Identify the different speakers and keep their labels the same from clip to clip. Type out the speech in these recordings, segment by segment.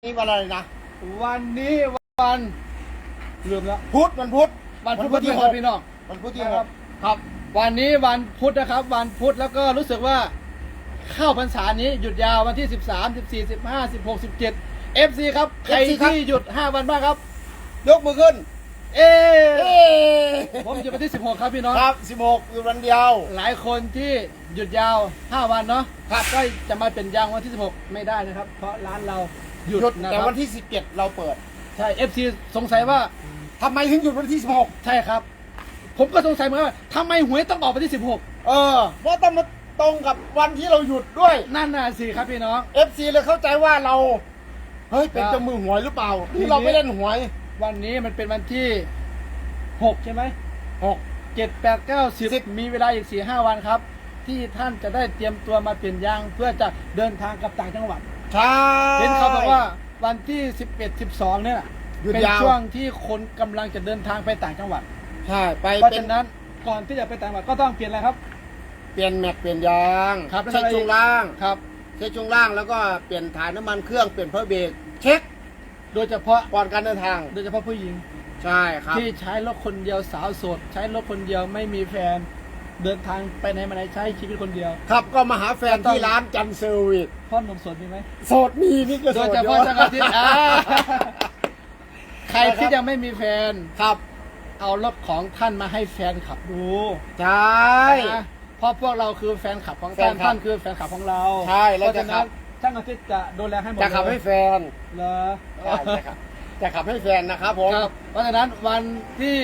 Speaker 1: นี่วันอะไรนะ
Speaker 2: วันนี้วันลืมแล้ว
Speaker 1: วันพุธ
Speaker 2: วันพุธที่6พี่น้อง
Speaker 1: วันพุธที่
Speaker 2: ครับวันนี้วันพุธนะครับวันพุธแล้วก็รู้สึกว่าเข้าพรรษานี้หยุดยาววันที่13 14 15 16 17 FC ครับใครที่หยุด5วันบ้างครับ
Speaker 1: ยกมือขึ้น
Speaker 2: ผมหยุดวันที่16ครับพี่น้อง
Speaker 1: ครับ16อยู่วันเดียว
Speaker 2: หลายคนที่หยุดยาว5วันเนาะครับก็จะมาเป็นยางวันที่16ไม่ได้นะครับเพราะร้านเราหยุดนะ
Speaker 1: แต่
Speaker 2: ครับ
Speaker 1: วันที่17เราเปิด
Speaker 2: ใช่ FC สงสัยว่า
Speaker 1: ทำไมถึงหยุดวันที่16
Speaker 2: ใช่ครับผมก็สงสัยเหมือนกันว่าทำไมหวยต้องออกวันที่16
Speaker 1: เพราะต้องมาตรงกับวันที่เราหยุดด้วย
Speaker 2: นั่นน่ะสิครับพี่น้อง
Speaker 1: FC เลยเข้าใจว่าเราเฮ้ยเป็นเจ้ามือหวยหรือเปล่าที่เราไม่เล่นหวย
Speaker 2: วันนี้มันเป็นวันที่6ใช่ไหม6 7 8 9 10มีเวลาอีก 4-5 วันครับที่ท่านจะได้เตรียมตัวมาเปลี่ยนยางเพื่อจะเดินทางกลับต่างจังหวัด
Speaker 1: ใช่
Speaker 2: เห็นเขาบอกว่าวันที่11 12เนี่ยเป็นช่วงที่คนกำลังจะเดินทางไปต่างจังหวัด
Speaker 1: ใช่ไป
Speaker 2: เพราะฉะนั้นก่อนที่จะไปต่างจังหวัดก็ต้องเปลี่ยนอะไรครับ
Speaker 1: เปลี่ยนแม็กเปลี่ยนยาง
Speaker 2: เช็ค
Speaker 1: ช่วงล่าง
Speaker 2: ครับ
Speaker 1: เช็คช่วงล่างแล้วก็เปลี่ยนถ่ายน้ำมันเครื่องเปลี่ยนเพอร์เบรกเช็ค
Speaker 2: โดยเฉพาะ
Speaker 1: ก่อนการเดินทาง
Speaker 2: โดยเฉพาะผู้หญิง
Speaker 1: ใช่ครับ
Speaker 2: ที่ใช้รถคนเดียวสาวโสดใช้รถคนเดียวไม่มีแฟนเดินทางไปไหนมาไหนใช้ชีวิตคนเดียว
Speaker 1: ครับก็มาหาแฟนที่ร้านจันเซอร์วิส
Speaker 2: พ่อหนุ่มโสดมีไหม
Speaker 1: โสดมีนี่ก็โสด
Speaker 2: โดยเฉพาะจังหวัดที่ใครที่ยังไม่มีแฟน
Speaker 1: ครับ
Speaker 2: เอารถของท่านมาให้แฟนขับดู
Speaker 1: ใช่
Speaker 2: เพราะพวกเราคือแฟนขับของท่านคือแฟนขับของเรา
Speaker 1: ใช่แล้วจะขับ
Speaker 2: ช่างอาทิตย์จะดูแลให้หมด
Speaker 1: จะขับให้แฟน
Speaker 2: เหรอ
Speaker 1: ใช่ครับจะขับให้แฟนนะครับผม
Speaker 2: เพราะฉะนั้นวันที่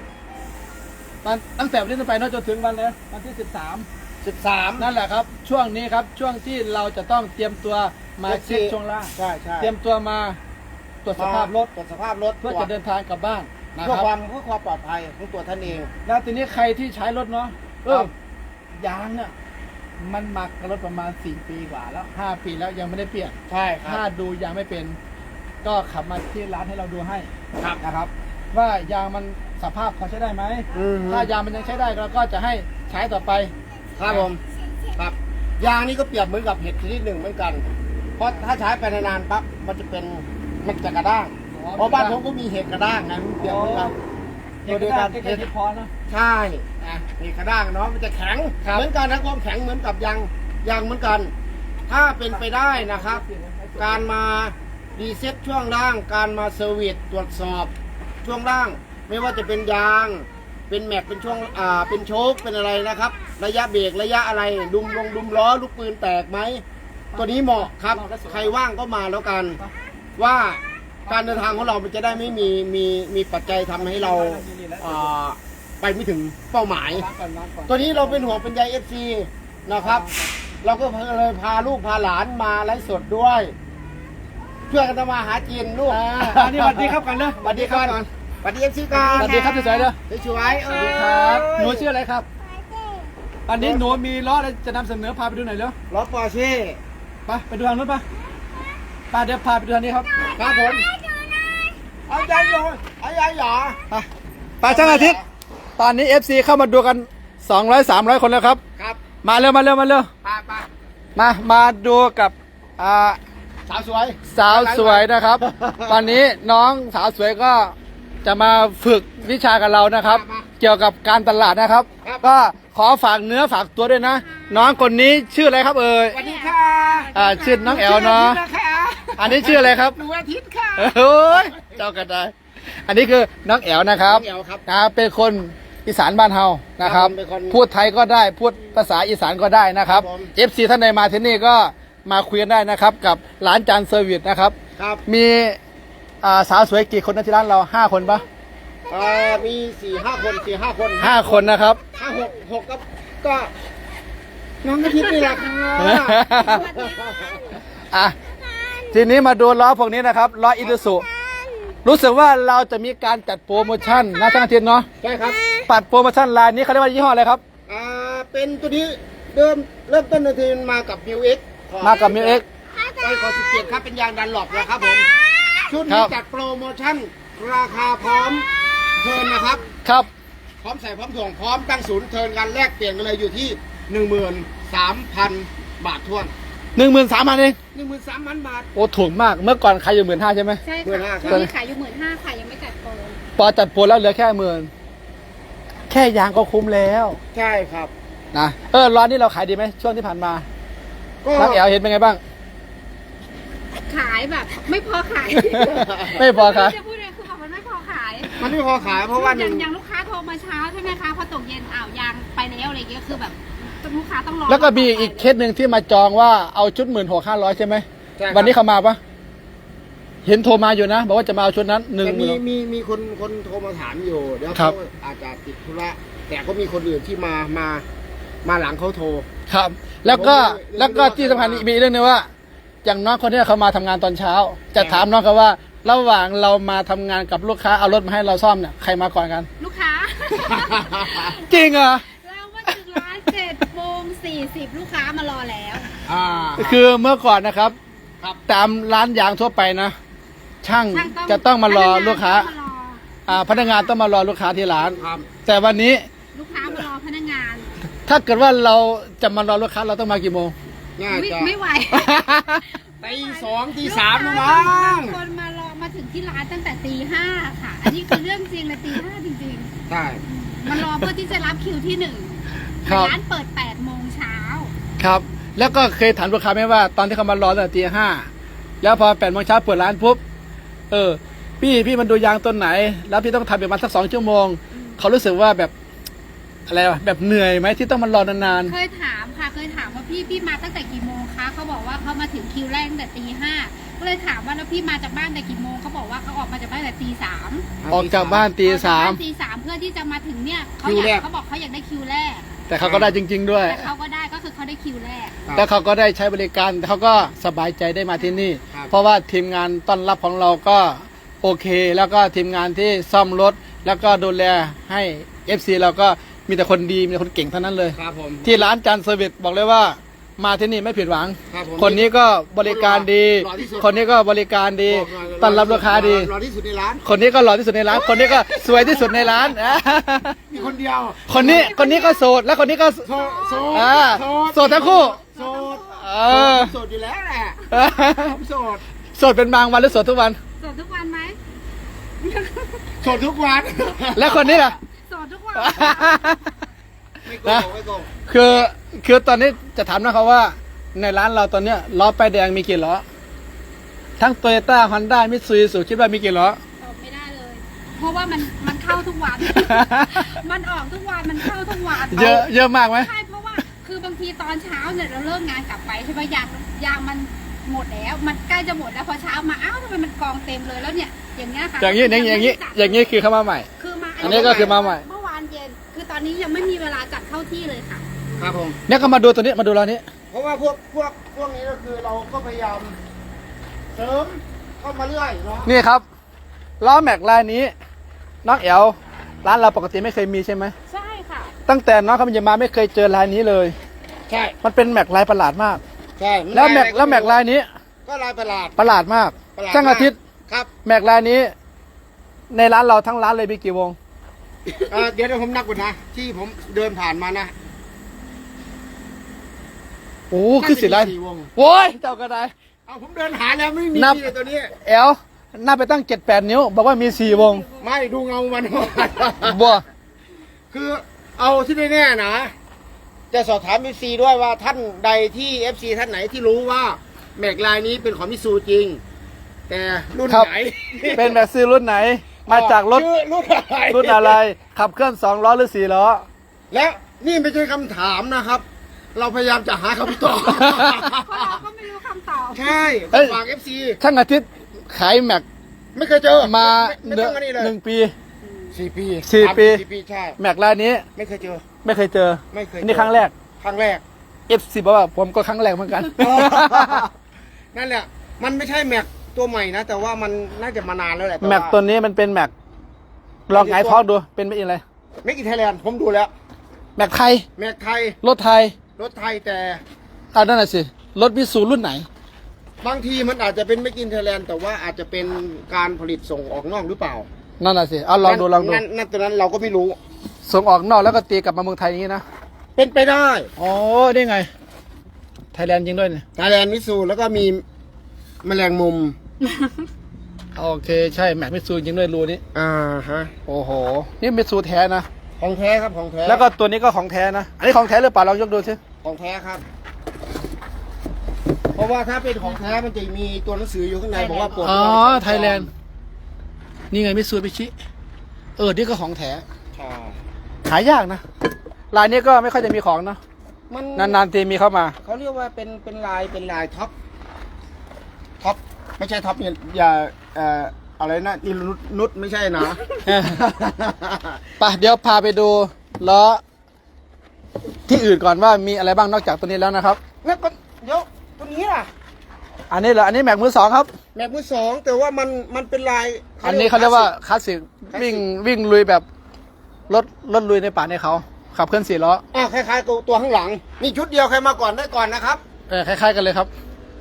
Speaker 2: 10วันตั้งแต่วันนี้ไปจนถึงวันเลยวันที่13นั่นแหละครับช่วงนี้ครับช่วงที่เราจะต้องเตรียมตัวมาเช็คช่วงล่าง
Speaker 1: ใช่
Speaker 2: เตรียมตัวมาตรวจสภาพรถ
Speaker 1: เพื่
Speaker 2: อจะเดินทางกลับบ้านนะ
Speaker 1: เพื่อ
Speaker 2: ครับ
Speaker 1: เพื่อความปลอดภัยของตัวท่านเอง
Speaker 2: แล้วทีนี้ใครที่ใช้รถเนาะยางเนี่ยมันหมักกับรถประมาณ4 ปีกว่าแล้ว5 ปีแล้วยังไม่ได้เปลี่ยน
Speaker 1: ใช่ครับ
Speaker 2: ถ้าดูยางไม่เป็นก็ขับมาที่ร้านให้เราดูให้
Speaker 1: ครับ
Speaker 2: นะครับว่ายางมันสภาพพอใช้ได้ไหมถ้ายางมันยังใช้ได้เราก็จะให้ใช้ต่อไป
Speaker 1: ครับผมครับยางนี่ก็เปรียบเหมือนกับเห็ดชนิดหนึ่งเหมือนกันเพราะถ้าใช้ไปนานๆปั๊บมันจะกระด้างเพราะบ้านผมก็มีเห็ดกระด้างไงมันเปรียบเหมือนกัน
Speaker 2: เห็ดกระด้างเห็ดพอนะ
Speaker 1: ใช่เห็ดกระด้างเนาะมันจะแข็งเหมือนกันนะความแข็งเหมือนกับยางเหมือนกันถ้าเป็นไปได้นะครับการมารีเซ็ตช่วงล่างการมาเซอร์วิสตรวจสอบช่วงล่างไม่ว่าจะเป็นยางเป็นแม็กเป็นช่วงเป็นโชคเป็นอะไรนะครับระยะเบรกระยะอะไรดุมล้อลูกปืนแตกไหมตัวนี้เหมาะครับใครว่างก็มาแล้วกันว่าการเดินทางของเรามันจะได้ไม่มีปัจจัยทำให้เราไปไม่ถึงเป้าหมายตัวนี้เราเป็นห่วงเป็นใย FC นะครับเราก็เลยพาลูกพาหลานมาไลฟ์สดด้วยช่วยกันทำมาหากินลูก
Speaker 2: อันนี้สวัสดีครับกันเลย
Speaker 1: สวัสดีครับสวัสดี FC กัน
Speaker 2: สวัสดีครับสวยๆเด้อ
Speaker 1: สวย
Speaker 2: สวัสดีครับหนูชื่ออะไรครับอันนี้หนูมีล้ออะไรจะนำเสนอพาไปดูหน่อยเร็ว
Speaker 1: รถปอร์เช่
Speaker 2: ไปดูทางนู้นไปเดี๋ยวพาไปดูทางนี้ครับ
Speaker 1: ครับผมเอาใจหน่อยเอาใจหยอ
Speaker 2: ไปช่างอาทิตย์ตอนนี้ FC เข้ามาดูกัน200-300 คนแล้วครับมาเร็วมาดูกับ
Speaker 1: สาว
Speaker 2: สวยนะครับ ตอนนี้น้องสาวสวยก็จะมาฝึกวิชากับเรานะครับ เกี่ยวกับการตลาดนะครับก็ขอฝากเนื้อฝากตัวด้วยนะน้องคนนี้ชื่ออะไรครับ
Speaker 1: สวัสดีค่ะ
Speaker 2: ชื่อน้องแอลเนาะอันนี้ชื่ออะไรครับ
Speaker 1: หนูอาทิตย์ค่ะ
Speaker 2: โอ้ยเจ้ากันได้อันนี้คือน้องแอลนะครับเป็นคนอีสานบ้านเฮานะครับพูดไทยก็ได้พูดภาษาอีสานก็ได้นะครับ FC ท่านใดมาที่นี่ก็มาคุยกันได้นะครับกับร้านจานเซอร์วิสนะครับมีสาวสวยกี่คนนะที่ร้านเรา5 คนปะ
Speaker 1: มี4-5 คน
Speaker 2: 5 คนนะครับ
Speaker 1: 6ก็น้องอาทิตย์นี่แหละ
Speaker 2: ค่ะทีนี้มาดูล้อพวกนี้นะครับล้ออิซูซุรู้สึกว่าเราจะมีการจัดโปรโมชั่นนะท่านอาทิตย์เนาะ
Speaker 1: ใช่ครับ
Speaker 2: ปัดโปรโมชั่นรายนี้เขาเรียกว่ายี่ห้ออะไรครับ
Speaker 1: เป็นตัวนี้เริ่มต้นทีมากับมิวเอ็กไปขอ17ครับเป็นยางดันหลบนะครับผมชุดนี้จัดโปรโมชั่นราคาพร้อมเทิร์นนะครับพร้อมใส่พร้อมถ่วงพร้อมตั้งศูนย์เทิร์นกันแลกเปลี่ยนกันเลยอยู่ที่ 13,000 บาททวน
Speaker 2: 13,000เอง
Speaker 1: 13,000 บาท
Speaker 2: โอ้ถูกมากเมื่อก่อนขายอยู่15,000ใช่ไหม
Speaker 3: ใช่
Speaker 1: 15,000
Speaker 3: ค่ะ
Speaker 1: ครับ
Speaker 3: ตอนนี้ขายอยู่15,000ค่ะยังไม่จัดโปร
Speaker 2: พอจัดโปรแล้วเหลือแค่10,000แค่ยางก็คุ้มแล้ว
Speaker 1: ใช่ครับ
Speaker 2: นะร้านนี้เราขายดีไหมช่วงที่ผ่านมา
Speaker 1: ก็
Speaker 2: น้องแอลเห็นเป็นไงบ้าง
Speaker 3: ขายแบบไม่พอขาย
Speaker 2: ไม่พอขาย
Speaker 3: จะพูดเลยคือแบบมันไม่พอขาย
Speaker 1: มันไม่พอขายเพราะว่าห
Speaker 3: อย่า
Speaker 1: นึ่
Speaker 3: ง
Speaker 1: ง
Speaker 3: อย่างลูกค้าโทรมาเช้าใช่ไหมคะพอตกเย็นอ้าวยางไปแล้วอะไรเงี้ยคือแบบลูกค้าต้องรอ
Speaker 2: แล้วก็มีอีกเคสหนึ่งที่มาจองว่าเอาชุด16,500ใช่ไหม
Speaker 1: ใช่ครับ
Speaker 2: วันนี้เขามาปะเห็นโทรมาอยู่นะ บอกว่าจะมาเอาชุดนั้น
Speaker 1: แต่มี
Speaker 2: 10,000
Speaker 1: มีคนโทรมาถามอยู่เดี๋ยว
Speaker 2: ครั
Speaker 1: เขา
Speaker 2: บ
Speaker 1: อาจจะติดธุระแต่ก็มีคนอื่นที่มาหลังเขาโทร
Speaker 2: ครับ แล้วก็
Speaker 1: ผมไม่
Speaker 2: แล้วก็
Speaker 1: ไม่รู้
Speaker 2: ที่สำคัญ
Speaker 1: ว่า
Speaker 2: มีเรื่องนึงว่า อย่างน้องคนนี้เขามาทำงานตอนเช้า จะถามน้องเขาว่า ระหว่างเรามาทำงานกับลูกค้าเอารถมาให้เราซ่อมเนี่ยใครมาก่อนกัน
Speaker 3: ลูกค้า
Speaker 2: จริงเหรอ
Speaker 3: เรามาถึงร้าน7:40ลูกค้ามารอแล้ว
Speaker 2: คือเมื่อก่อนนะครับ
Speaker 1: ครับ
Speaker 2: ตามร้านยางทั่วไปนะ ช่าง
Speaker 3: ช่าง
Speaker 2: จะต้องมารอลูกค้า
Speaker 3: ต้องมารอ
Speaker 2: พนักงานต้องมารอลูกค้าที่ร้าน
Speaker 1: ครับ
Speaker 2: แต่วันนี้
Speaker 3: ลูกค้ามารอพนักงาน
Speaker 2: ถ้าเกิดว่าเราจะมารอลูกค้าเราต้องมากี่โมง
Speaker 1: น่าจะ
Speaker 3: ไม่ไหว
Speaker 1: ตี2ตี3นะมั้ง
Speaker 3: บางคนมารอมาถึงที่ร้านตั้งแต่ตี 5ค่ะ อันนี้คือเรื่องจริงเลยตี 5จริง
Speaker 1: ใช่
Speaker 3: ๆ มารอเพื่อที่จะรับคิวที่1
Speaker 2: ครับ
Speaker 3: ร้านเปิด8โมงเช้า
Speaker 2: ครับ แล้วก็เคยถามลูกค้าไหมว่าตอนที่เขามารอตั้งแต่ตี 5แล้วพอ8 โมงเช้าเปิดร้านปุ๊บพี่มันดูยางต้นไหน แล้วพี่ต้องทำประมาณสัก2 ชั่วโมงเขารู้สึกว่าแบบอะไรวะแบบเหนื่อยไหมที่ต้องมารอนาน
Speaker 3: เคยถามค่ะ เคยถามว่าพี่มาตั้งแต่กี่โมงคะเขาบอกว่าเขามาถึงคิวแรกตั้งแต่ตี 5ก็เลยถามว่าแล้วพี่มาจากบ้านแต่กี่โมงเขาบอกว่าเขาออกมาจากบ้านแต่ตี 3
Speaker 2: ๆออกจากบ้านตี
Speaker 3: ตี 3เพื่อที่จะมาถึงเนี่ยเขา
Speaker 1: คิวแรก
Speaker 3: เขาบอกเขาอยากได้คิวแรก
Speaker 2: 3แต่เขาก็ได้จริง ๆ ด้วย
Speaker 3: แต่เขาก็ได้ก็คือเขาได้คิวแรก
Speaker 1: ครับ
Speaker 2: แล้วเขาก็ได้ใช้บริการเขาก็สบายใจได้มาที่นี่
Speaker 1: ครับ
Speaker 2: เพราะว่าทีมงานต้อนรับของเราก็โอเค แล้วก็ทีมงานที่ซ่อมรถ แล้วก็ดูแลให้ FC เราก็มีแต่คนดีมีแต่คนเก่งเท่านั้นเลย
Speaker 1: ครับผม
Speaker 2: ที่ร้านจันเซอร์วิสบอกเลยว่ามาที่นี่ไม่ผิดหวัง
Speaker 1: ครับผม
Speaker 2: คนนี้ก็บริการดี
Speaker 1: หล่อที่สุด
Speaker 2: คนนี้ก็บริการดี
Speaker 1: บอกหน่อย
Speaker 2: ต้อนรับลูกค้าดี
Speaker 1: รอที่สุดในร้าน
Speaker 2: คนนี้ก็หล่อที่สุดในร้าน คนนี้ก็สวยที่สุดในร้าน
Speaker 1: มีคนเดียว
Speaker 2: คนนี้ก็โสด แล้วคนนี้ก็
Speaker 1: โสดโสด
Speaker 2: โสดทั้งคู่
Speaker 1: โสด
Speaker 2: เออ
Speaker 1: โสดอยู่แล้วแหละผมโสด
Speaker 2: โสดเป็นบางวันหรือโสดทุกวัน
Speaker 3: โสดทุกวันไหม
Speaker 1: โสดทุกวัน
Speaker 2: แล้วคนนี้ล่ะ
Speaker 3: โสดทุกวัน
Speaker 1: ไม่โกงไม่โกง
Speaker 2: คือตอนนี้จะถามนะครับว่า ในร้านเราตอนเนี้ยล้อป้ายแดงมีกี่ล้อ ทั้งโตโยต้าฮอนด้ามิตซูบิชิคิดว่ามีกี่ล้อ
Speaker 3: ตอบไม่ได้เลย เพราะว่ามันเข้าทุกวัน มันออกทุกวันมันเข้าทุกวัน
Speaker 2: เยอะมากไหม
Speaker 3: ใช่เพราะว่าคือบางทีตอนเช้าเนี่ยเราเลิกงานกลับไปใช่ไหมยางมันหมดแล้ว มันใกล้จะหมดแล้วพอเช้ามาอ้าวทำไมมันกองเต็มเลยแล้วเนี่ยอย่างเงี้ยค่ะ
Speaker 2: อย่างนี้คือเข้ามาใหม่
Speaker 3: คือมา
Speaker 2: อันนี้ก็คือมาใหม่
Speaker 3: เมื่อวานเย็นคือตอนนี้ยังไม่มีเวลาจัดเข้าที่เลยค่ะ
Speaker 1: ครับผม
Speaker 2: เนี่ยก็มาดูตัวนี้มาดูร้านนี้
Speaker 1: เพราะว่าพวกนี้ก็คือเราก็พยายามเสริมเข้ามาเรื่อยเนาะ
Speaker 2: นี่ครับล้อแม็กลายนี้น้องแอลร้านเราปกติไม่เคยมีใช่ไหม
Speaker 3: ใช่ค่ะ
Speaker 2: ตั้งแต่น้องเขามาไม่เคยเจอลายนี้เลย
Speaker 1: ใช่
Speaker 2: มันเป็นแม็กลายประหลาดมาก
Speaker 1: ใช่
Speaker 2: แล้วแม็กลายนี้
Speaker 1: ก็ลายประหลาด
Speaker 2: ประหลาดมาก
Speaker 1: ประหลาด
Speaker 2: ช่างอาทิตย์
Speaker 1: ครับ
Speaker 2: แม็กลายนี้ ในร้านเราทั้งร้านเลยมีกี่วง
Speaker 1: เดี๋ยวผมนับก่อนนะ ที่ผมเดินผ่านมานะ
Speaker 2: โอ้คือสิไร
Speaker 1: น่าจะมี4 วง
Speaker 2: โว้ยเจ้าก็ได้
Speaker 1: เอาผมเดินหาแล้วไม่มี
Speaker 2: นับ
Speaker 1: เลยตัวนี้
Speaker 2: แอลนับไปตั้ง7-8 นิ้ว บอกว่ามี4 วง
Speaker 1: ไม่ดูเงามัน
Speaker 2: บัว
Speaker 1: คือเอาที่แน่ๆนะ จะสอบถาม FC ด้วยว่าท่านใดที่ FC ท่านไหนที่รู้ว่าแม็กลายนี้เป็นของมิตซูจริง แต่รุ่น
Speaker 2: ครับ
Speaker 1: ไหน
Speaker 2: เป็นแม็กซี่รุ่นไหน มาจากรถ
Speaker 1: ชื่อรุ่นอะไร
Speaker 2: รุ่นอะไร ขับเคลื่อน2 ล้อหรือ 4 ล้อ
Speaker 1: และนี่ไม่ใช่คำถามนะครับ เราพยายามจะหาคำตอบ
Speaker 3: เพราะเราก็ไม่รู้คำตอบ
Speaker 1: ใช่
Speaker 2: เอ้ย
Speaker 1: ฝาก FC
Speaker 2: ช่างอาทิตย์ขายแม็ก
Speaker 1: ไม่เคยเจอ
Speaker 2: มา
Speaker 1: ไม่ต้องอันนี้เลย
Speaker 2: 1 ปี
Speaker 1: 4 ปี
Speaker 2: 4 ปี
Speaker 1: 4 ปีใช่
Speaker 2: แม็กลายนี้
Speaker 1: ไม่เคยเจอ
Speaker 2: ไม่เคยเจอ
Speaker 1: ไม่เคย
Speaker 2: อันนี่ครั้งแรก
Speaker 1: ครั้งแรก
Speaker 2: F10 บอกว่าผมก็ครั้งแรกเหมือนกัน
Speaker 1: นั่นแหละ มันไม่ใช่แม็กตัวใหม่นะ แต่ว่ามันน่าจะมานานแล้วแหละ
Speaker 2: แม็กตัวนี้มันเป็นแม็กลองไงายท้องดูเป็นไม่อะไร
Speaker 1: แม็กอินไทยแลนด์ผมดูแล้ว
Speaker 2: แม็กไทย
Speaker 1: แม็กไทย
Speaker 2: รถไทย
Speaker 1: รถไทยแต่
Speaker 2: เอานั่นน่ะสิรถมิตซูรุ่นไหน
Speaker 1: บางทีมันอาจจะเป็นแม็กอินไทยแลนด์แต่ว่าอาจจะเป็นการผลิตส่งออกนอกหรือเปล่า
Speaker 2: นั่นน่ะสิเอาลองดูลองดู
Speaker 1: นั่นตัวนั้นเราก็ไม่รู้
Speaker 2: ส่งออกนอกแล้วก็ตีกลับมาเมืองไทยอย่างนี้นะ
Speaker 1: เป็นไปได้
Speaker 2: อ๋อได้ไง แถไทยแลนด์จริงด้วยเนี่ย
Speaker 1: ไทยแลนด์มิสูแล้วก็มีแมลงมุม
Speaker 2: โอเคใช่แม็กมิซูจริงด้วยรูนี้
Speaker 1: ฮะ
Speaker 2: โอ้โหนี่มิซูแท้นะ
Speaker 1: ของแท้ครับของแท้
Speaker 2: แล้วก็ตัวนี้ก็ของแท้นะอันนี้ของแท้หรือเปล่าลองยกดูสิ
Speaker 1: ของแท้ครับ เพราะว่าถ้าเป็นของแท้มันจะมีตัวหนังสืออยู่ข้างในบอกว่าปลด
Speaker 2: อ๋อไทยแลนด์นี่ไงมิซูบิชินี่ก็ของแท้
Speaker 1: ใช่
Speaker 2: หายากนะลายนี้ก็ไม่ค่อยจะมีของเนาะ
Speaker 1: มัน
Speaker 2: นานๆทีมีเข้ามา
Speaker 1: เขาเรียกว่าเป็นลายท็อปไม่ใช่ท็อปเนี่ยอย่าอะไรนะนี่นุชไม่ใช่นะ
Speaker 2: ไปเดี๋ยวพาไปดูล้อที่อื่นก่อนว่ามีอะไรบ้างนอกจากตัวนี้แล้วนะครับ
Speaker 1: แล้วก็เดี๋ยวตัวนี้ล่ะ
Speaker 2: อันนี้เหรออันนี้แม็กมือสองครับ
Speaker 1: แม็กมือสองแต่ว่ามันเป็นลาย
Speaker 2: อันนี้เขาเรียกว่าคลาสสิกวิ่งลุยแบบรถลุยในป่าในเขาขับเคลื่อน4 ล้อ
Speaker 1: คล้ายๆกับตัวข้างหลังนี่ชุดเดียวใครมาก่อนได้ก่อนนะครับ
Speaker 2: คล้ายๆกันเลยครับ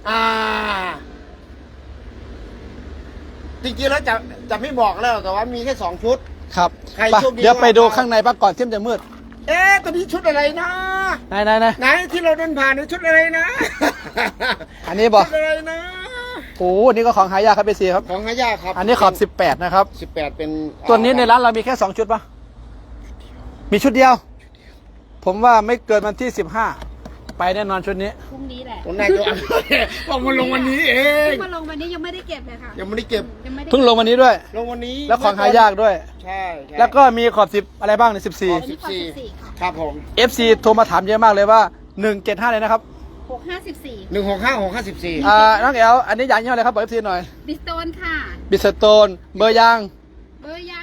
Speaker 1: จริงๆแล้วจะไม่บอกแล้วแต่ว่ามีแค่2ชุด
Speaker 2: ครับ
Speaker 1: ใคร
Speaker 2: ไป
Speaker 1: โชคดี
Speaker 2: เดี๋ยวไปดูข้างในปะก่อนเที่ยมจะมืด
Speaker 1: ตัวนี้ชุดอะไรนะ
Speaker 2: ไหน
Speaker 1: ไหนที่เราเดินผ่านนี่ชุดอะไรนะ
Speaker 2: อันนี้บอก
Speaker 1: ชุดอะไรนะ
Speaker 2: โอ้นี่ก็ของหายากครับเบซีครับ
Speaker 1: ของหายากครับ
Speaker 2: อันนี้ขอบ18นะครับ
Speaker 1: 18เป็น
Speaker 2: ตัวนี้ในร้านเรามีแค่2ชุดปะมีชุดเดียว ผมว่าไม่เกินวันที่15ไปแน่นอนชุดนี้
Speaker 3: พรุ่งนี้แหละ
Speaker 1: คนแรกก็บอกมาลงวันนี้เอง
Speaker 3: มาลงวันนี้ยังไม่ได้เก็บเลยค่ะ
Speaker 1: ยังไม่ได้เก็บ
Speaker 3: ยังไม่ได้
Speaker 2: เพิ่งลงวันนี้ด้วย
Speaker 1: ลงวันนี้
Speaker 2: แล้วของหายากด้วย
Speaker 1: ใช่
Speaker 2: แล้วก็มีขอบ10อะไรบ้างใน
Speaker 3: อันนี้ขอ14ค่ะ
Speaker 1: ครับผม
Speaker 2: 14 FC โทรมาถามเยอะมากเลยว่า175เลยนะครับ
Speaker 3: 654
Speaker 1: 165
Speaker 2: น้องแอลอันนี้ยางยี่ห้ออะไรครับบอก FC หน่อย
Speaker 3: บิสโตนค่ะ
Speaker 2: บิสโตนเบอร์ยาง
Speaker 3: เบอร์ยาง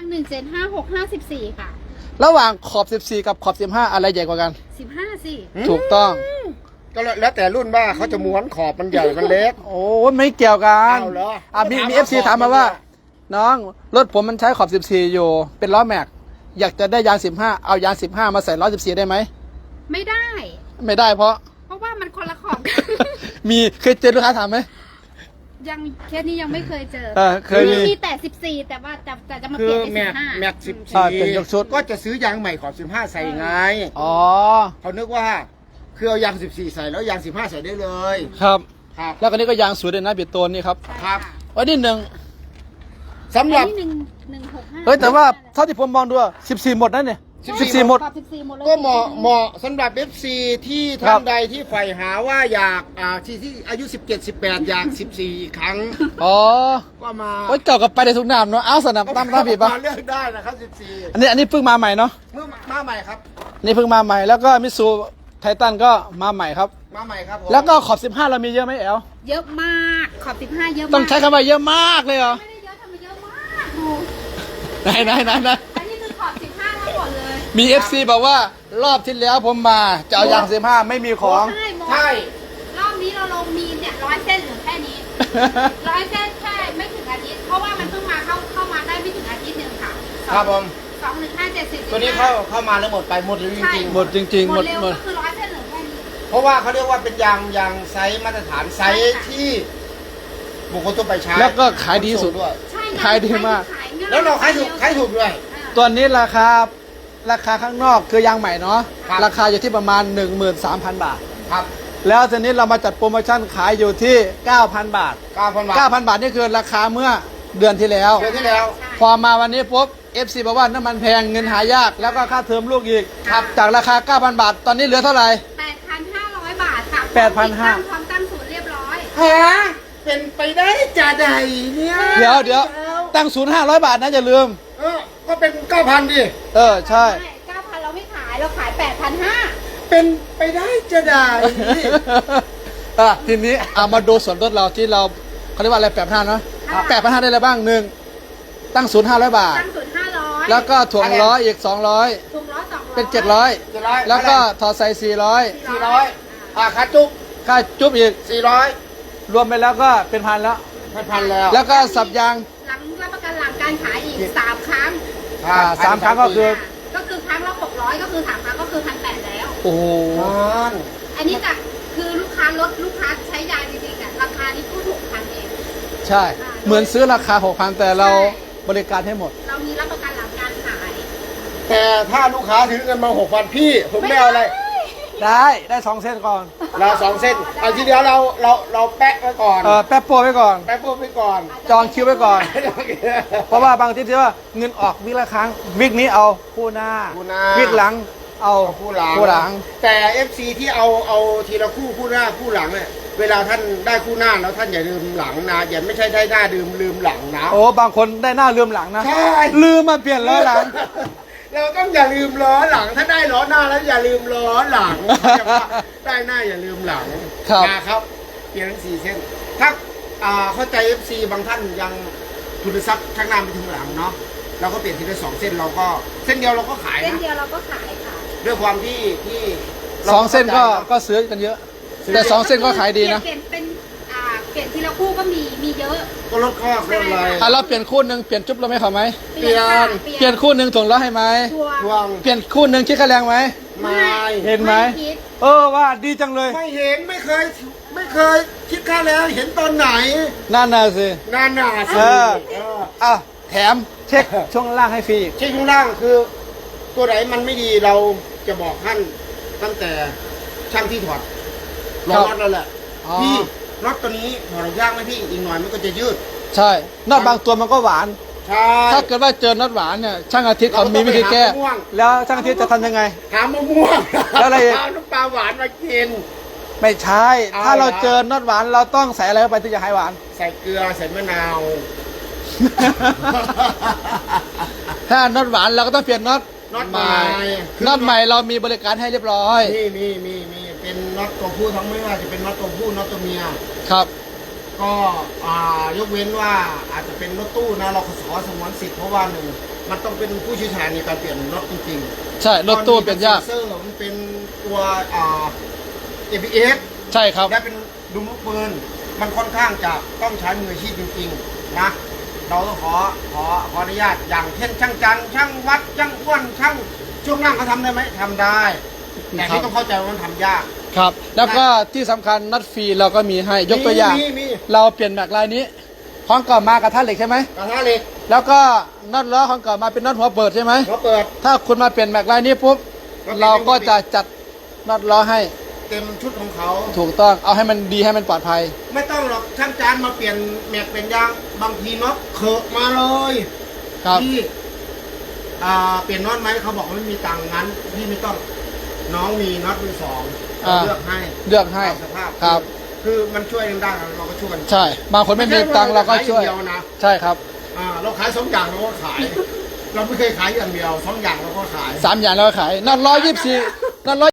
Speaker 3: 175654ค่ะ
Speaker 2: ระหว่างขอบ14กับขอบ15อะไรใหญ่กว่ากัน
Speaker 3: 15สิ
Speaker 1: 654
Speaker 2: ถูกต้อง
Speaker 1: ก็แล้วแต่รุ่นว่าเขาจะม้วนขอบมันใหญ่มันเล็ก
Speaker 2: โอ้ไม่เกี่ยวกัน
Speaker 1: เอาเหรอ
Speaker 2: มี FC ถามมาว่า น้องรถผมมันใช้ขอบ14อยู่เป็นล้อแม็กอยากจะได้ยาง15เอายาง15มาใส่ล้อ14ได้ไหม
Speaker 3: ไม่ได้
Speaker 2: ไม่ได้เพราะ
Speaker 3: เพราะว่ามันคนละขอบกัน
Speaker 2: มีเคยเจอลูกค้าถามไหม
Speaker 3: ยังเคสนี้ยังไม่เคยเจอ
Speaker 2: เคยมี
Speaker 3: มีแต่14แต่ว่าจะมา
Speaker 1: คื
Speaker 3: เปลี่
Speaker 1: อย
Speaker 3: น
Speaker 1: แม็
Speaker 3: เป็น
Speaker 1: ก
Speaker 3: 15
Speaker 1: แม็ก
Speaker 2: เป็นยกชุด
Speaker 1: 14ก็จะซื้อยางใหม่ขอบ15ใส่ไง
Speaker 2: อ๋อ
Speaker 1: เขานึกว่าคือเอายาง14ใส่แล้วยาง15ใส่ได้เลย
Speaker 2: ครับ
Speaker 1: ครับ
Speaker 2: แล้วก็นี่ก็ยางสวยเลยนะบิดโตนนี่ครับ
Speaker 1: ครับ
Speaker 2: วันนี้หนึ่ง
Speaker 1: สำหรับ
Speaker 3: อันนี้165
Speaker 2: เฮ้ยแต่ว่าเท่าที่ผมมองดูอะ14หมดนั่นเนี่ย14หมด
Speaker 3: ขอบ14หมดเลย
Speaker 1: ก็เหมาะสำหรับ FC ที่
Speaker 2: ครั
Speaker 1: ท่า
Speaker 2: บ
Speaker 1: นใดที่ใฝ่หาว่าอยากที่อายุ 17-18 อยาก 14 ครั้ง
Speaker 2: อ๋อ
Speaker 1: ก็มา
Speaker 2: โอ้ยเจ้ากับไปในทุกนามเนาะเอาสนับตามท่าผิดปะ
Speaker 1: มาเลือกได้นะครับ
Speaker 2: อันนี้เพิ่งมาใหม่เนาะ
Speaker 1: 14 เมื่อมาใหม่ครับ
Speaker 2: นี่เพิ่งมาใหม่แล้วก็มิซูไททันก็มาใหม่ครับ
Speaker 1: มาใหม่ครับผม
Speaker 2: แล้วก็ขอบ15เรามีเยอะไหมแอล
Speaker 3: เยอะมากขอบ15เยอะมาก
Speaker 2: ต้องใช้คำว่าเยอะมากเลยเหรอ
Speaker 3: ไม่ได้เยอะทำไมเยอะมากดู
Speaker 2: ไหน
Speaker 3: อันนี้คือขอบ15ทั้งหมดเลย
Speaker 2: มี FC บอกว่ารอบที่แล้วผมมาจะเอายาง15ไม่มีของ
Speaker 3: ใช่หมด
Speaker 1: ใช่
Speaker 3: รอบนี้เราลงมีเนี่ย100 เส้นเหลือแค่นี้ 100 เส้นแค่ไม่ถึงอาทิตย์เพราะว่ามันเพิ่งมาเข้ามาได้ไม่ถึงอาทิตย์หนึ่งค่ะ
Speaker 1: ครับผม
Speaker 3: 21570
Speaker 1: ตัวนี้เข้ามาแล้วหมดไปหมดเลยจริง
Speaker 2: หมดจริงๆ
Speaker 3: ห
Speaker 2: ห
Speaker 3: ม
Speaker 2: ม
Speaker 3: ด
Speaker 2: ด
Speaker 3: เร็ว
Speaker 2: หมด
Speaker 3: ก็คือ100 เส้นเหลือแค่นี้
Speaker 1: ๆ เพราะว่าเขาเรียกว่าเป็นยางไซส์มาตรฐานไซส์ที่บุคคลทั่วไปใช้
Speaker 2: แล้วก็ขายดีสุด
Speaker 1: ด้วย
Speaker 3: ใช่ไง
Speaker 2: ขายดีมาก
Speaker 3: ขายง่ย
Speaker 1: แล้วเราขายถูกด้วย
Speaker 2: ตัวนี้ราคาข้างนอกคือยางใหม่เนาะ
Speaker 1: ครับ
Speaker 2: ราคาอยู่ที่ประมาณ 13,000 บาท
Speaker 1: ครับ
Speaker 2: แล้วทีนี้เรามาจัดโปรโมชั่นขายอยู่ที่ 9,000 บาท
Speaker 1: 9,000 บาท
Speaker 2: 9,000 บาทนี่คือราคาเมื่อเดือนที่แล้ว
Speaker 1: เดือนที่แล้ว
Speaker 2: พอมาวันนี้ปุ๊บ FC บอกว่าน้ำมันแพงเงินหายาก แล้วก็ค่าเทอมลูกอีก
Speaker 3: ครับ
Speaker 2: จากราคา 9,000 บาท ตอนนี้เหลือเท่าไหร่
Speaker 3: 8,500 บาทค่ะ
Speaker 2: 8,500
Speaker 3: พร้อมตั้งศูนย์เรียบร้อย
Speaker 1: ฮะเป็นไปได้จะใดเนี่ย
Speaker 2: เดี๋ยวตั้งศูนย์500 บาทนะอย่าลืม
Speaker 1: ก็เป็น 9,000 ดิ
Speaker 2: ใช่
Speaker 3: ไม่ 9,000 เราไม่ขาย เราขาย 8,500
Speaker 1: เป็นไปได้จะได้
Speaker 2: ทีนี้เอามาดูส่วนลดเราที่เราเขาเรียกว่าอะไร8,500เนาะ
Speaker 3: ค่ะ
Speaker 2: 8,500ได้อะไรบ้างหนึ่งตั้งศูนย์500 บาท
Speaker 3: ตั้งศูนย์500
Speaker 2: แล้วก็ถ่วงล้ออีก 200
Speaker 3: ถุงร้อย200
Speaker 2: เป็น
Speaker 1: 700
Speaker 2: 700 แล้วก็ถอดใส่
Speaker 1: 400ค่าจุ๊บ
Speaker 2: 400 ค่าจุ๊บอีก
Speaker 1: 400
Speaker 2: รวมไปแล้วก็เป็นพันแล้ว
Speaker 1: 1,000 แล้ว
Speaker 2: แล้วก็สับยาง
Speaker 3: หลังรับประกันหลังการขายอีก 3 ครั้ง
Speaker 2: 3 ครั้งก็คือ
Speaker 3: ก็คือครั้งละ600 ก็คือ3ครั้งก็คือ 1,800 แล้ว
Speaker 2: โอ้โห
Speaker 3: อันนี้จากคือลูกค้าใช้ยาจริงๆอ่ะราคานี้ก็6,000 เอง
Speaker 2: ใช่ เหมือนซื้อราคา 6,000 แต่เราบริการให้หมด
Speaker 3: เรามีรับประกันหลังการขาย
Speaker 1: แต่ถ้าลูกค้าถือเงินมา 6,000 พี่ผมไม่เอาอะไร
Speaker 2: ได้2 เส้นก่อน
Speaker 1: เรา2 เส้นเอาทีเดียวเราแปะไว้ก่อน
Speaker 2: แป๊บโปรไว้ก่อน
Speaker 1: แปะปุ๊บไว้ก่อน
Speaker 2: จองคิวไว้ก่อน เพราะว่าบางทีที่ว่าเงินออกวิกละครั้งวิกนี้เอาคู่หน้า
Speaker 1: คู่หน้า
Speaker 2: วิกหลังเอา
Speaker 1: คู่หลัง
Speaker 2: คู่หลัง
Speaker 1: แต่ FC ที่เอาทีละคู่หน้าคู่หลังเนี่ยเวลาท่านได้คู่หน้าแล้วท่านอย่าลืมหลังนะอย่าไม่ใช่ได้หน้าลืมหลังนะ
Speaker 2: โอ้บางคนได้หน้าลืมหลังนะ
Speaker 1: ใช่
Speaker 2: ลืมมาเปลี่ยนล้อหลัง
Speaker 1: เราต้องอย่าลืมล้อหลัง ถ้าได้ล้อหน้าแล้วอย่าลืมล้อหลังเขาจะว่าได้หน้าอย่าลืมหลัง
Speaker 2: ครับ
Speaker 1: นะครับเปลี่ยนทั้ง4 เส้นถ้าเข้าใจ FC บางท่านยังทุนทรัพย์ข้างหน้าไปถึงหลังเนาะเราก็เปลี่ยนทีละ2 เส้นเราก็เส้นเดียวเราก็ขาย
Speaker 3: เส้น
Speaker 1: นะ
Speaker 3: เดียวเราก็ขายค่ะ
Speaker 1: ด้วยความที่รา
Speaker 2: 2 เส้นก็ซื้อกันเยอะ แต่ 2 เส้นก็ขายดีนะ
Speaker 3: เปลี่ยนเป็นเปลี่ยนทีละคู่ก็มีเยอะ
Speaker 1: ก็ลดข้อลดอะไร
Speaker 2: เราเปลี่ยนคู่หนึ่งเปลี่ยนจุ๊บเราไหม่เขาไหม
Speaker 1: เปลี่ยน
Speaker 3: ค่ะ
Speaker 2: เปลี่ยนคู่หนึ่งถ่วงล้อให้ไหม
Speaker 3: ทัวร์
Speaker 1: ทวง
Speaker 2: เปลี่ยนคู่หนึ่งคิดค่าแรงไหม
Speaker 1: ไม่
Speaker 2: เห็นไหม
Speaker 3: คิด
Speaker 2: ว่าดีจังเลย
Speaker 1: ไม่เห็นไม่เคยคิดค่าแล้วเห็นตอนไหน
Speaker 2: นั่นน่ะสิ
Speaker 1: นานหนาสิ
Speaker 2: เออ
Speaker 1: เออ
Speaker 2: อ่ะแถมเช็คช่วงล่างให้ฟรี
Speaker 1: เช็คข้างล่างคือ ตัวไหนมันไม่ดีเราจะบอกท่านตั้งแต่ช่างที่ถอดรอ
Speaker 2: ครับ
Speaker 1: น็อตแล้วแหละ
Speaker 2: อ๋อ
Speaker 1: พี่น็อตตัวนี้ถอดออกยากไหมพี่อีกหน่อยมันก็จะยืด
Speaker 2: ใช่นอตบางตัวมันก็หวาน
Speaker 1: ใช่
Speaker 2: ถ้าเกิดว่าเจอน็อตหวานเนี่ยช่างอาทิตย์เขามีวิธีแก้
Speaker 1: เราก็ต้องไปหามะม่วง
Speaker 2: แล้วช่างอาทิตย์จะทำยังไง
Speaker 1: หามะม่วง
Speaker 2: แล้วอะไรอีก
Speaker 1: เอาน้ำปลาหวานมากิน
Speaker 2: ไม่ใช่
Speaker 1: เอา
Speaker 2: ถ้าเรา
Speaker 1: เหรอ
Speaker 2: เจอน็อตหวานเราต้องใส่อะไรเข้าไปถึงจะหายหวาน
Speaker 1: ใส่เกลือใส่มะนาว
Speaker 2: ถ้าน็อตหวานเราก็ต้องเปลี่ยนน็อต
Speaker 1: น็อตใหม่
Speaker 2: น็อตใหม่เรามีบริการให้เรียบร้อย
Speaker 1: มีเป็นน็อตตัวผู้ทั้งไม่ว่าจะเป็นน็อตตัวผู้น็อตตัวเมีย
Speaker 2: ครับ
Speaker 1: ก็ยกเว้นว่าอาจจะเป็นรถตู้นะเราขอสงวนสิทธิ์เพราะว่าหนึ่งมันต้องเป็นผู้เชี่ยวชาญในการเปลี่ยนรถจริงๆ
Speaker 2: ใช่รถตู้เปลี่ยนยาก
Speaker 1: เซนเซอร์มันเป็นตัวABS
Speaker 2: ใช่ครับ
Speaker 1: และเป็นดุมลูกปืนมันค่อนข้างจะต้องใช้มืออาชีพจริงๆนะเราต้องขออนุญาตอย่างเช่นช่างจันทร์ช่างวัดช่างอ้วนช่างช่วงล่างเขาทำได้ไหมทำได้ แต่ที่ต้องเข้าใจว่ามันทำยาก
Speaker 2: ครับ แล้วก็ที่สำคัญน็อตฟรีเราก็มีให้ยกตัวอย่าง
Speaker 1: มี
Speaker 2: เราเปลี่ยนแม็กลายนี้ของเก่ามากระทะเหล็กใช่ไหม
Speaker 1: กระทะเหล็ก
Speaker 2: แล้วก็น็อตล้อของเก่ามาเป็นน็อตหัวเปิดใช่ไหม
Speaker 1: เขาเปิด
Speaker 2: ถ้าคุณมาเปลี่ยนแม็กลายนี้ปุ๊บ
Speaker 1: ก็เป็น
Speaker 2: เราก็จะจัดน็อตล้อให้
Speaker 1: เต็มชุดของเขา
Speaker 2: ถูกต้องเอาให้มันดีให้มันปลอดภัย
Speaker 1: ไม่ต้องหรอกช่างจานมาเปลี่ยนแม็กเป็นยางบางทีน็อตเขอะมาเลย
Speaker 2: ครับ
Speaker 1: พี่เปลี่ยนน็อตไหมเขาบอกว่าไม่มีตังค์งั้นพี่ไม่ต้องน้องมีน็อตมือสองเราเลือกให้
Speaker 2: เลือกให้
Speaker 1: ตามสภาพ
Speaker 2: ครับ
Speaker 1: คือมันช่วยกันได้เราก็ช่วยกัน
Speaker 2: ใช่ บางคนไม่มีตังค์เราก็ช่วย
Speaker 1: ไม่ใาเราขายอย่างเดียวนะ
Speaker 2: ใช่ครับ
Speaker 1: เราขาย2 อย่างเราก็ขาย เราไม่เคยขายอย่างเดียว2 อย่างเราก็ขาย
Speaker 2: 3 อย่างเราก็ขายน็อตล้อ24น็อตล้อ